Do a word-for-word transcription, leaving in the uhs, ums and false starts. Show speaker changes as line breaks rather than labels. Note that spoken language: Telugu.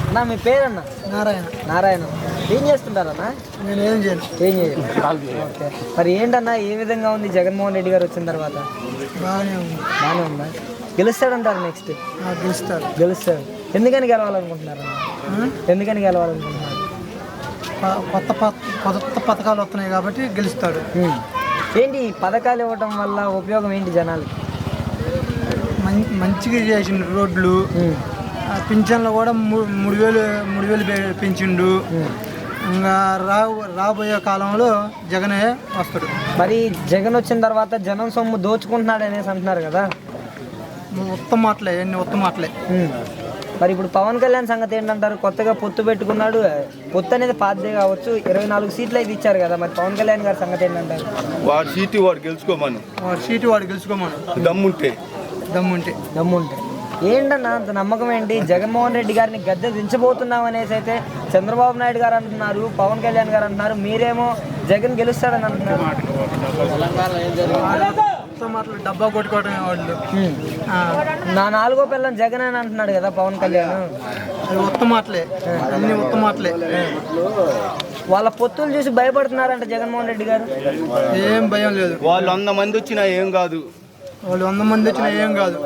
అన్నా మీ పేరన్నా?
నారాయణ.
నారాయణ. ఏం చేస్తుంటారన్నా?
నేను ఏం చేయను.
ఏం చేయను. ఓకే. మరి ఏంటన్నా ఏ విధంగా ఉంది జగన్మోహన్ రెడ్డి గారు వచ్చిన తర్వాత?
బాగానే ఉంది.
బాగానే ఉందా? గెలుస్తాడంటారు నెక్స్ట్?
గెలుస్తాడు.
గెలుస్తాడు. ఎందుకని గెలవాలనుకుంటున్నారు? ఎందుకని గెలవాలనుకుంటున్నారు?
కొత్త కొత్త పథకాలు వస్తున్నాయి కాబట్టి గెలుస్తాడు.
ఏంటి ఈ పథకాలు ఇవ్వటం వల్ల ఉపయోగం ఏంటి జనాలకి?
మంచిగా చేసిన రోడ్లు, పింఛన్లు కూడా మూడు వేలు మూడు వేలు పెంచిండు. ఇంకా రా రాబోయే కాలంలో జగనే వస్తాడు.
మరి జగన్ వచ్చిన తర్వాత జనం సొమ్ము దోచుకుంటున్నాడు అనేసి అంటున్నారు కదా?
ఉత్తమ మాటలే, ఎన్ని ఉత్తమ మాటలే.
మరి ఇప్పుడు పవన్ కళ్యాణ్ సంగతి ఏంటంటారు? కొత్తగా పొత్తు పెట్టుకున్నాడు. పొత్తు అనేది పాతదే కావచ్చు, ఇరవై నాలుగు సీట్లు అయితే ఇచ్చారు కదా. మరి పవన్ కళ్యాణ్ గారి సంగతి ఏంటంటారు?
వాడు సీటు వాడు గెలుచుకోమను.
వాడు సీటు వాడు గెలుచుకోమను.
దమ్ముంటే
దమ్ముంటే
దమ్ముంటే ఏంటన్నా అంత నమ్మకం ఏంటి? జగన్మోహన్ రెడ్డి గారిని గద్దె దించబోతున్నాం అనేసి అయితే చంద్రబాబు నాయుడు గారు అంటున్నారు, పవన్ కళ్యాణ్ గారు అంటున్నారు. మీరేమో జగన్ గెలుస్తాడని అంటున్నారు.
మాటలు డబ్బా కొట్టుకోవడం వాళ్ళు.
నా నాలుగో పిల్లని జగన్ అని అంటున్నాడు కదా పవన్ కళ్యాణ్.
అది ఉత్తమ మాటలే, అన్ని ఉత్తమ మాటలే.
వాళ్ళ పొత్తులు చూసి భయపడుతున్నారంట జగన్మోహన్ రెడ్డి గారు.
ఏం భయం లేదు.
వాళ్ళు వంద మంది వచ్చినా ఏం కాదు.
వాళ్ళు వంద మంది వచ్చినా ఏం కాదు.